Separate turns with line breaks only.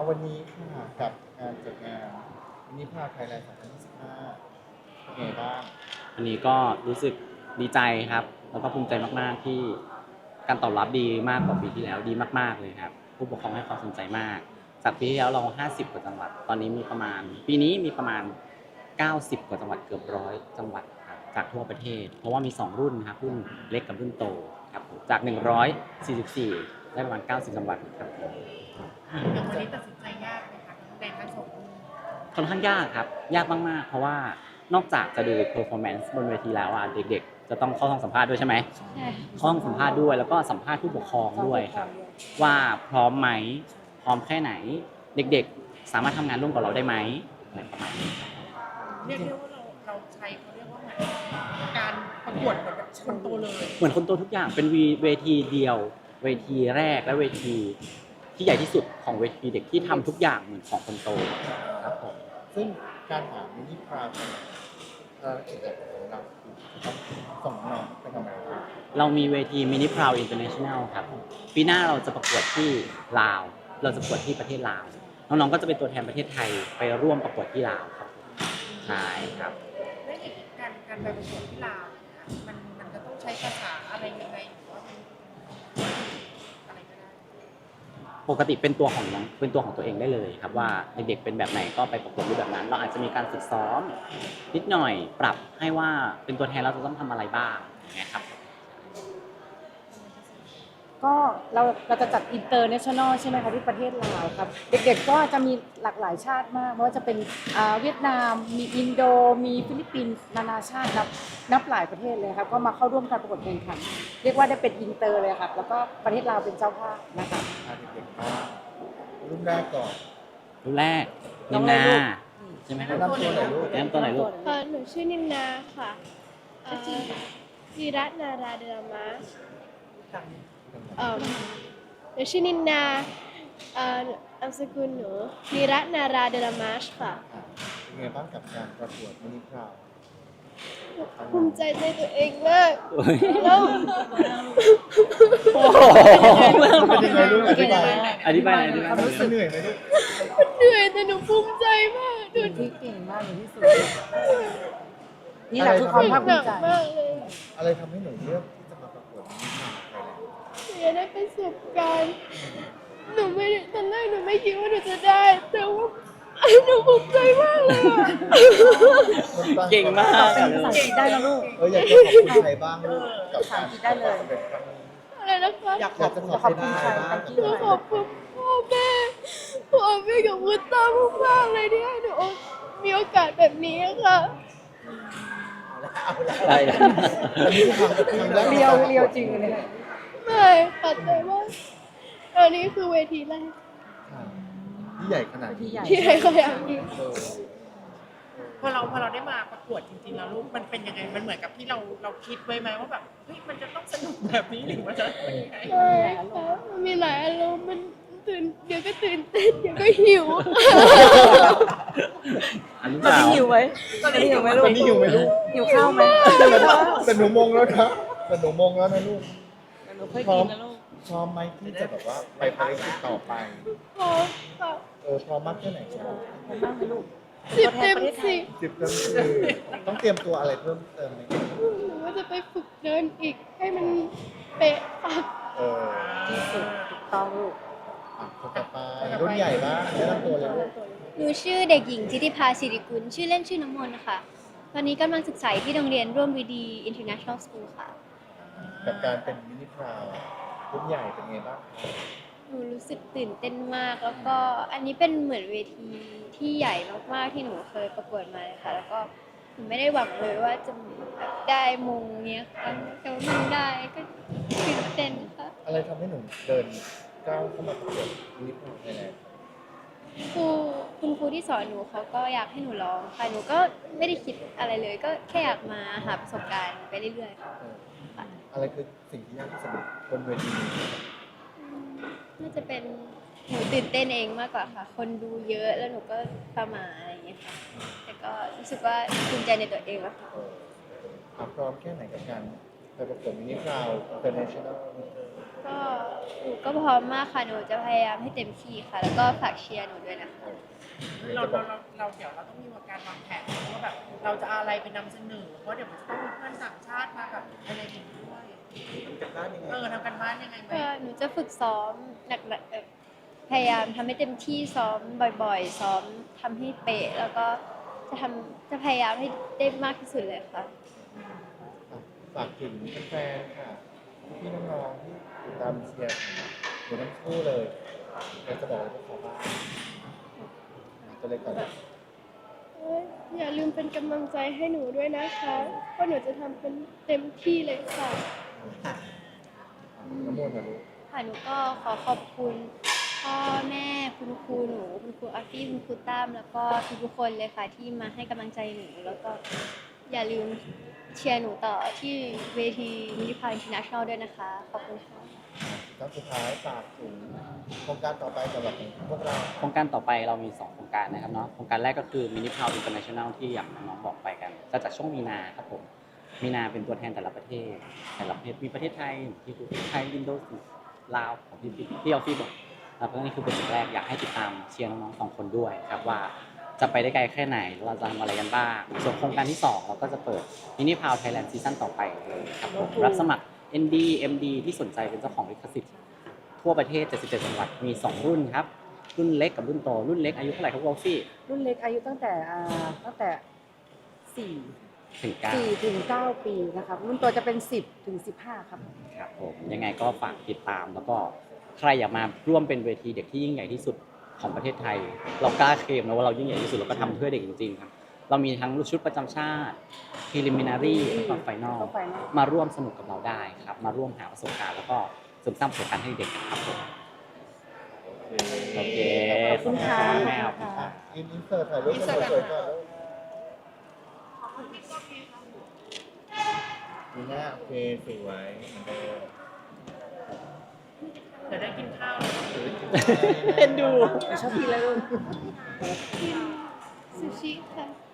วันนี้ค่ะกับการจัดงานมินิพาไทยแลนด์2025เป็นไงบ้าง
อันนี้ก็รู้สึกดีใจครับแล้วก็ภูมิใจมากๆที่การตอบรับดีมากกว่าปีที่แล้วดีมากๆเลยครับผู้ปกครองให้ความสนใจมากจากปีที่แล้วเรา50กว่าจังหวัดตอนนี้มีประมาณปีนี้มีประมาณ90กว่าจังหวัดเกือบ100จังหวัดครับจากทั่วประเทศเพราะว่ามี2รุ่นครับรุ่นเล็กกับรุ่นโตครับจาก144ได้ประมาณ90จังหวัดครับ
อย่างวันนี้ตัดสินใจยากไหมคะในทั้งสองรุ่น
ค่อนข้างยากครับยากมากๆเพราะว่านอกจากจะดู performance บนเวทีแล้วอ่ะเด็กๆจะต้องเข้าห้องสัมภาษณ์ด้วยใช่ไหมเข้าห้องสัมภาษณ์ด้วยแล้วก็สัมภาษณ์ผู้ปกครองด้วยครับว่าพร้อมไหมพร้อมแค่ไหนเด็กๆสามารถทำงานร่วมกับเราได้ไหมอะไรประมาณนี้
เรียกได้ว่าเราใช้เขาเรียกว่าเหมือนการประกวดเหมือนกับคนโตเลย
เหมือนคนโตทุกอย่างเป็นเวทีเดียวเวทีแรกและเวทีที่ใหญ่ที่สุดของเวทีเด็กที่ทำทุกอย่างเหมือนของคนโตครับผม
ซึ่งการหามินิพาเอกของเราคือต้องส่งน้องไปทำอะไรครับ
เรามีเวทีมินิพราวอินเตอร์เนชั่นแนลครับปีหน้าเราจะประกวดที่ลาวเราจะประกวดที่ประเทศลาวน้องๆก็จะเป็นตัวแทนประเทศไทยไปร่วมประกวดที่ลาวครับใช่ครับ
และอีกการไปประกวดที่ลาวมันจะต้องใช้ภาษาอะไรยังไงหรือว่ามันอะไรก็ได้
ปกติเป็นตัวของน้องเป็นตัวของตัวเองได้เลยครับว่าเด็กๆเป็นแบบไหนก็ไปประกวดรูปแบบนั้นเราอาจจะมีการฝึกซ้อมนิดหน่อยปรับให้ว่าเป็นตัวแทนเราจะต้องทำอะไรบ้างอย่างเงี้ยครับ
ก็เราจะจัดอินเตอร์เนชั่นแนลใช่ไหมคะที่ประเทศลาวครับเด็กๆก็จะมีหลากหลายชาติมากไม่ว่าจะเป็นเวียดนามมีอินโดมีฟิลิปปินส์นานาชาตินับหลายประเทศเลยครับก็มาเข้าร่วมการประกวดแข่งขันเรียกว่าได้เป็นอินเตอร์เลยครับแล้วก็ประเทศลาวเป็นเจ้าภาพนะคะ
เด็กๆบ้างรุ่นแรกก่อน
รุ่นแรกนินนาใช่ไหมครับ
แนะนำตัวหน่อยลูก
แนะนำตัวไหนลูก
หนูชื่อนินนาค่ะวีรัตนาราเดลมาสหนูชื่อนินนานามสกุลหนูวีรัตนาราเดลมาสค่ะ
เป็นไงบ้างกับการประกวดมินิพา
ภูมิใจในตัวเองมากแล้ว
โอ้โห
เป็นยังไงลูกอธิบาย
อธิบาย
รู้สึกเหนื่อยไหมลูก
เหนื่อยแต่หนูภูมิใจมากหนู
ที่เก่งมากอย่างที่สุดนี่แหละคือความภาคภูมิใจ
มากเลย
อะไรทำให้หนูเลือกที่จะมาประกวดมินิพาไทยแลนด์
หนูได้ประสบการณ์หนูไม่ได้ตอนแรกหนูไม่คิดว่าหนูจะได้แต่ว่าหนูภูมิใจมากเลย
เก่งมาก
ภาษาอังกฤษได้แล้วลูก
อยากจะขอบคุณใครบ้างลูกกับการ
ได้เลย
อะไรนะคะ
อยากขอบคุณใครบ้าง
หนูขอบคุณพ่อแม่กับคุณตามากๆเลยที่ให้หนูมีโอกาสแบบนี้ค่ะ
ได้แล้ว
เรียวจริงเลย
ไม่ค่ะแต่ว่าอันนี้คือเวทีแรก
ที่ใหญ่ขนาดนี้
ที่ใหญ่ขนาดนี้
พอเราได้มาประกวดจริงๆแล้วลูกมันเป็นยังไงมันเหมือนกับที่เราคิดไว้ไหมว่าแบบเฮ้ยมันจะต้องสนุกแบบนี้หรือว่าจะเป็นยังไง
ใช่ค่ะมันมีหลายอารมณ์มันเดี๋ยวก็ตื่นเต้นเดี๋ยวก็หิว
ตอนนี้หิวไหมตอนนี้หิวไหมลูกหิวข้าวไหม
แต่หนูมงแล้วนะแต่หนูมงแล้วนะลูก
หนูเคยกินนะลูก
พร้อมไหมที่จะแบบว่าไปภารกิจต่อไป
พร้อมค่ะ
พร้อมมากแค่ไหนครับ
พร้อมมากไหมลูก
10 เต็ม
10 เต็ม 10ต้องเตรียมตัวอะไรเพิ่มเติมไหม
หนูว่าจะไปฝึกเดินอีกให้มันเป๊ะค่ะ
ที่สุดถูกต้องลูก
คนต่อไปรุ่นใหญ่บ้างแนะนำตัวเลยลูก
หนูชื่อเด็กหญิงทิติภาสิริกุลชื่อเล่นชื่อน้ำมนต์ค่ะตอนนี้กำลังศึกษาที่โรงเรียนร่วมวิดี International School ค่ะ
กับการเป็นมินิพราวรุ่นใหญ่เป็นไงบ้าง
หนูรู้สึกตื่นเต้นมากแล้วก็อันนี้เป็นเหมือนเวทีที่ใหญ่มากๆที่หนูเคยประกวดมาเลยค่ะแล้วก็หนูไม่ได้หวังเลยว่าจะได้มงเนี้ยค่ะแต่ว่ามันได้ก็ตื่นเต้นค่ะ
อะไรทำให้หนูเดินก้าวเข้ามาประกวดมินิพราวไทยแลนด์
คุณครูที่สอนหนูเขาก็อยากให้หนูร้องค่ะหนูก็ไม่ได้คิดอะไรเลยก็แค่อยากมาหาประสบการณ์ไปเรื่อยๆค่ะ
อะไรคือสิ่งที่ยากที่สุดบนเวทีนี้
น่าจะเป็นหนูตื่นเต้นเองมากกว่าค่ะคนดูเยอะแล้วหนูก็ประหม่าอะไรอย่างเงี้ยค่ะแต่ก็รู้สึกว่าภูมิใจในตัวเองแล้วค่ะ
พร้อมแค่ไหนกับการไปประกวดมินิพราวอินเตอร์เนชั่นแนล
ก็หนูก็พร้อมมากค่ะ หนูจะพยายามให้เต็มที่ค่ะ แล้วก็ฝากเชียร์หนูด้วยนะคะ
เราเดี๋ยวเราต้องมีการวางแผนว่าแบบเราจะเอาอะไรไปนำเสนอเพราะเดี๋ยวมันจะต้องมีเพื่อนต่างชาติมาแบบอะไรอย่างนี้ด้วย
จากด้านยังไง
ทำกันบ้านยังไงไหม
ก็หนูจะฝึกซ้อมหนักๆพยายามทำให้เต็มที่ซ้อมบ่อยๆ ซ้อมทำให้เป๊ะ แล้วก็จะพยายามให้ได้มากที่สุดเลยค่ะ
ฝากถึงแฟนๆค่ะพี่น้องๆที่ติดตามเชียร์อยู่ทั้งคู่เลยอยากจะบอกอะไรพวกเขาบ้างตัวเล็กก่อน
อย่าลืมเป็นกำลังใจให้หนูด้วยนะคะเพราะหนูจะทำเป็นเต็มที่เลยค่ะ
น้ำมนต์นะลูก
ค่ะหนูก็ขอขอบคุณพ่อแม่คุณครูหนูคุณครูอาร์ตี้คุณครูตั้มแล้วก็ทุกๆคนเลยค่ะที่มาให้กำลังใจหนูแล้วก็อย่าลืมเชียร์หนูต่อที่เวทีมินิพายอินเตอร์เนชั่นแนลด้วยนะคะ ขอบคุณค่ะ
ครับสุดท้ายฝากถึงโครงการต่อไปสำหรับพวกเรา
โครงการต่อไปเรามี 2 โครงการนะครับเนาะโครงการแรกก็คือ Mini Power International ที่อย่างน้องๆบอกไปกันจะจัดช่วงมีนาครับผมมีนาเป็นตัวแทนแต่ละประเทศมีประเทศไทยที่คือไทยอินโดนีเซียลาวของที่ออฟฟิศบอกแล้วก็นี่คือโปรเจกต์แรกอยากให้ติดตามเชียร์น้องๆ2 คนด้วยครับว่าจะไปได้ไกลแค่ไหนเราจะทำอะไรกันบ้างส่วนโครงการที่ 2 เราก็จะเปิด Mini Power Thailand ซีซั่นต่อไปเลยครับผมรับสมัคร ND MD ที่สนใจเป็นเจ้าของลิขสิทธิ์ทั่วประเทศ77จังหวัดมี2 รุ่นครับรุ่นเล็กกับรุ่นโตรุ่นเล็กอายุเท่าไหร่ครับวอลฟี่
รุ่นเล็กอายุตั้งแต่4
ถึง9
4ถึง9ปีนะครับรุ่นโตจะเป็น10ถึง15ครับ
ครับผมยังไงก็ฝากติดตามแล้วก็ใครอยากมาร่วมเป็นเวทีเด็กที่ยิ่งใหญ่ที่สุดของประเทศไทย เรากล้าเคลมนะว่าเรายิ่งใหญ่ที่สุดเราก็ทำเพื่อเด็กจริงๆครับเรามีทั้งชุดประจำชาติ preliminary แล้วก็ final มาร่วมสนุกกับเราได้ครับมาร่วมหาประสบการณ์แล้วก็เสริมสร้างประสบการณ์ให้เด็กครับผมโอเค
ขอบคุณค่ะ
แม่
ขอบคุณค่ะ
อินเสิร์ตถ่ายรูปกันสวยๆก่อนลูกนี่หน้าโอเคสวยเหมือนเดิม
เดี๋ยวได้กินข้าว
เอ็นดู
ชอบกินอะไรลูก
ซูชิค่ะ